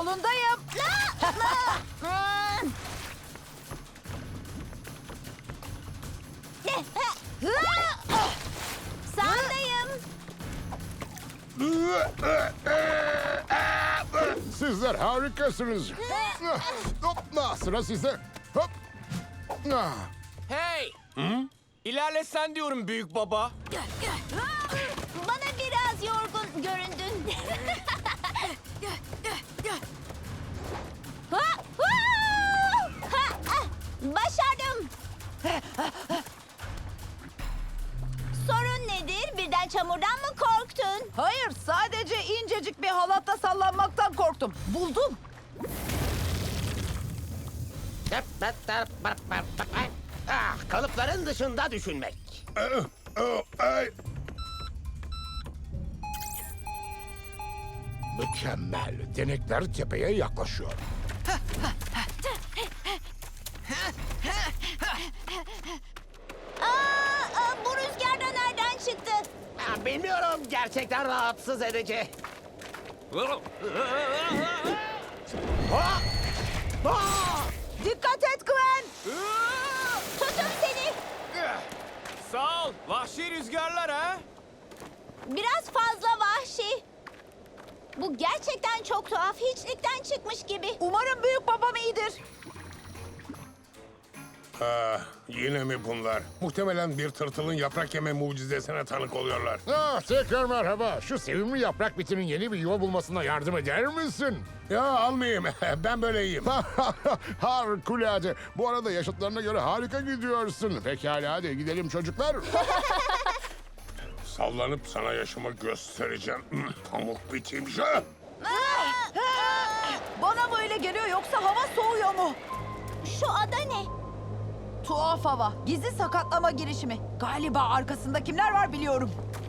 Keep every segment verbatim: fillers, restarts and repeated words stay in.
Yolundayım. Sağdayım. Sizler harikasınız. Hop, ah, sıra sizde. Hop. Ah. Hey! İlerle sen diyorum büyük baba. Bana biraz yorgun göründün. Ha, huu! Ha, ah, başardım. Sorun nedir? Birden çamurdan mı korktun? Hayır, sadece incecik bir halatta sallanmaktan korktum. Buldum. Ah, kalıpların dışında düşünmek. Ah, ah, ay. Mükemmel. Denekler tepeye yaklaşıyor. Aa, aa, bu rüzgar da nereden çıktı? Ah, bilmiyorum, gerçekten rahatsız edici. Ah! Ah! Dikkat et Gwen. Tutun seni. Sağ ol. Vahşi rüzgarlar ha. Biraz fazla vahşi. Bu gerçekten çok tuhaf. Hiçlikten çıkmış gibi. Umarım büyük babam iyidir. Ah, yine mi bunlar? Muhtemelen bir tırtılın yaprak yeme mucizesine tanık oluyorlar. Ah, tekrar merhaba. Şu sevimli yaprak bitinin yeni bir yuva bulmasına yardım eder misin? Ya almayayım. Ben böyle iyiyim. Harikulade. Bu arada yaşıtlarına göre harika gidiyorsun. Pekala hadi gidelim çocuklar. Sallanıp sana yaşımı göstereceğim. Pamuk biteyim. Bana mı öyle geliyor yoksa hava soğuyor mu? Şu ada ne? Tuhaf hava. Gizli sakatlama girişimi. Galiba arkasında kimler var biliyorum.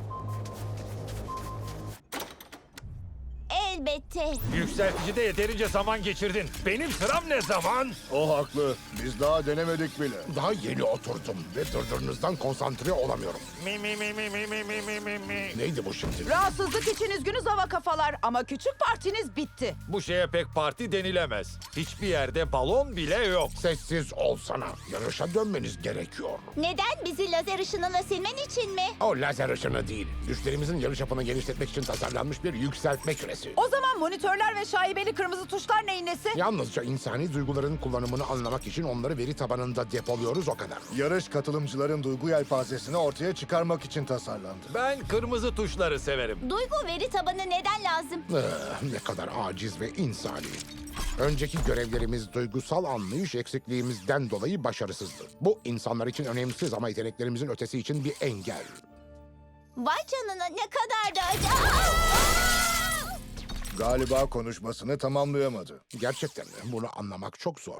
Elbette. Yükselticide yeterince zaman geçirdin. Benim sıram ne zaman? O haklı. Biz daha denemedik bile. Daha yeni oturdum ve dırdırınızdan konsantre olamıyorum. Mi mi mi mi mi mi mi mi mi mi. Neydi bu şimdi? Rahatsızlık için üzgünüz hava kafalar ama küçük partiniz bitti. Bu şeye pek parti denilemez. Hiçbir yerde balon bile yok. Sessiz olsana. Yarışa dönmeniz gerekiyor. Neden? Bizi lazer ışınıyla silmen için mi? O lazer ışını değil. Güçlerimizin yarış yapını genişletmek için tasarlanmış bir yükseltme küresi. O zaman monitörler ve şaibeli kırmızı tuşlar neyin nesi? Yalnızca insani duyguların kullanımını anlamak için onları veri tabanında depoluyoruz o kadar. Yarış katılımcıların duygu yelpazesini ortaya çıkarmak için tasarlandı. Ben kırmızı tuşları severim. Duygu veri tabanı neden lazım? Ah, ne kadar aciz ve insani. Önceki görevlerimiz duygusal anlayış eksikliğimizden dolayı başarısızdı. Bu insanlar için önemsiz ama yeteneklerimizin ötesi için bir engel. Vay canına ne kadar da acı. Aa! Galiba konuşmasını tamamlayamadı. Gerçekten de bunu anlamak çok zor.